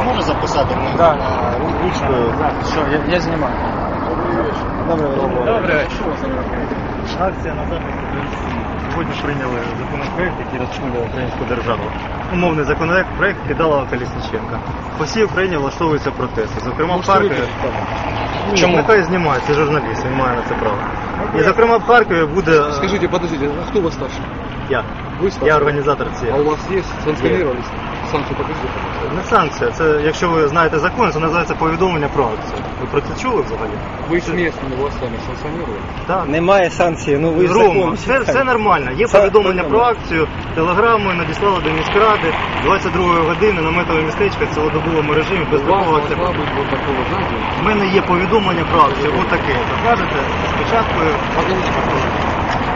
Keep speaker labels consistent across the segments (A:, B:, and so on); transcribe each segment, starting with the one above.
A: може записати мене
B: Да.
A: ручкою?
B: Що, я знімаю.
A: Добре,
B: Добре.
C: Акція на захист української. Сьогодні прийняли законопроект, який розширює українську державу. Умовний законопроект Кидалова Колесніченка. По всій Україні влаштовуються протести. Зокрема, в Харкові.
B: Чому?
C: Нехай знімає, це журналіст, він має на це право. І, зокрема, в Харкові буде...
D: Скажите, подождите, а кто у вас старший?
C: Я.
D: Вы старший?
C: Я організатор
D: А
C: цієї.
D: у вас есть? Санкционировались? Санкцию покажите, пожалуйста.
C: Не санкція, це, якщо ви знаєте закон, це називається повідомлення про акцію. Ви про це чули взагалі?
D: Вы с местными властями санкционировали?
C: Так.
B: Немає санкції, ну ви ж
C: Рома,
B: закон
C: все
B: читаєте.
C: нормально. Є
B: Це
C: повідомлення про
B: нормально.
C: акцію, телеграмою надіслали до міськради 22 години наметове містечко в цілодобовому режимі без
D: У вас
C: такого
D: должна
C: активу.
D: быть вот такого, знаете,
C: У мене є повідомлення про акцію, отаке. Покажете спочатку.
D: покажите, пожалуйста.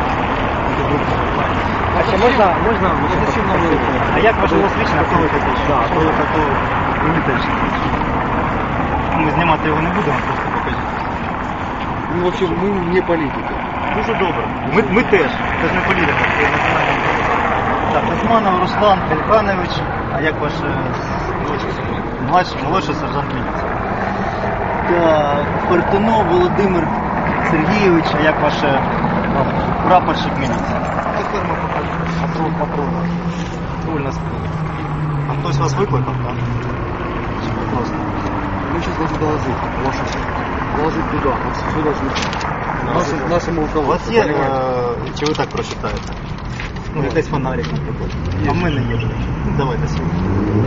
B: А ще можна?
D: Зачем нам это?
C: А як ваше освічення, хто ви такі? Хто ви такого політичні? Ми знімати його не будемо, просто покажіть.
D: Ну, вообще, мы не политики.
C: Дуже добре. Ми теж. Це ж не політика, це національна. Так, Османов Руслан Ельханович, а як ваш молодший сержант міліції? Так, Фортунов Володимир Сергійович, а як ваш прапорщик міліції? Патрон. Патрульна спина. А хтось вас викликав, так? Чи ви просто?
D: Мы сейчас должны доложить вашу доложить туда. Все должны. Нашему
C: У
D: руководству.
C: вас є,
D: понимаете?
C: чи ви так прочитаєте? Ну, якийсь фонарик, наприклад. А в мене є. Ну, давайте сьогодні.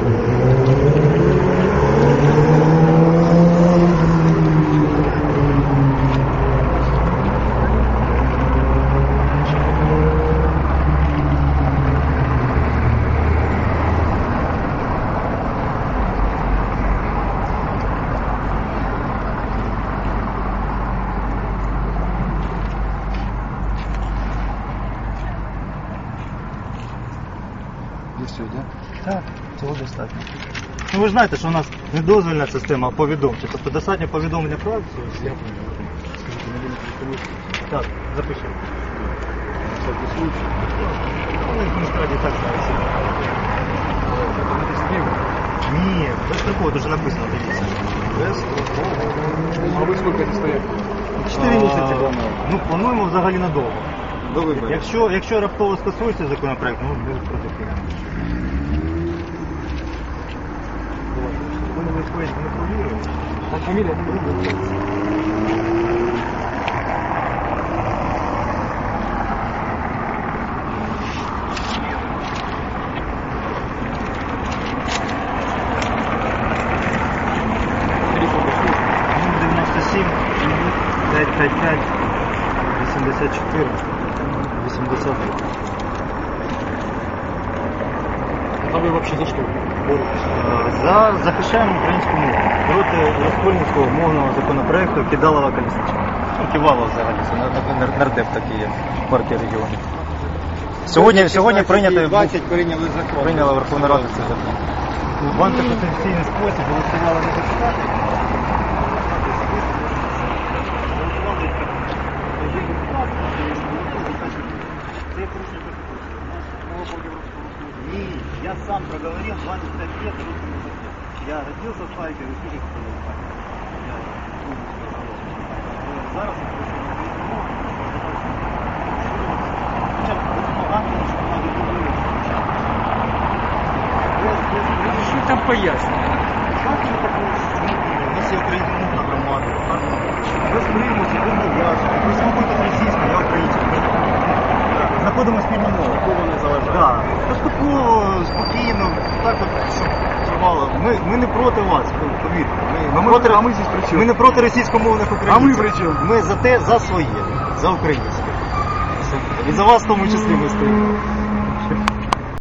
D: Здесь все, да?
C: Так, цього достатньо. Ну ви ж знаєте, що у нас не дозвільна система, а повідомча. Тобто достатньо повідомлення про акцію. Так, запишіть.
D: Всякий случай.
C: Ну, в міськраді так зараз. Ні, без такого дуже написано, дивіться. Без
D: А вы сколько здесь стоять?
C: 4 місяці плануємо. Ну, плануємо взагалі надовго.
D: До выборов.
C: Якщо раптово скасується законопроект, ну, дуже протестуємо. Ви не сходите, не провіруєте.
D: А фамилия? Телефон какой?
C: 97 555 84 80.
D: А вы вообще за что боретесь?
C: Захищаємо українську мову проти розкольницького мовного законопроекту Кидалова Колесніченка. Ну, Ківалова взагалі, це нардеп такий є в партії регіонів. Сьогодні прийняла Верховна Рада цей закон. В антиконституційний спосіб голосували не депутати. Не, я сам проговорил 25 лет русским языке. Я родился в Харькове, служил в Харькове. Зараз я прийшов на українську мову. Хоча б погано, що вона відбуває.
B: Що там пояснює?
C: У нас є українськомовна громада. Без примусу, без нав'язку. Ви слухаєте російську, я українську. Знаходимо спільну мову.
D: Такого не заважає.
C: Так. Поступово, спокійно, так от, щоб тривало. Ми не проти вас, повірте.
D: А ми здесь при чому?
C: Ми не проти російськомовних українців.
D: А ми при чому?
C: Ми за те, за своє, за українське. І за вас в тому числі ми стоїмо.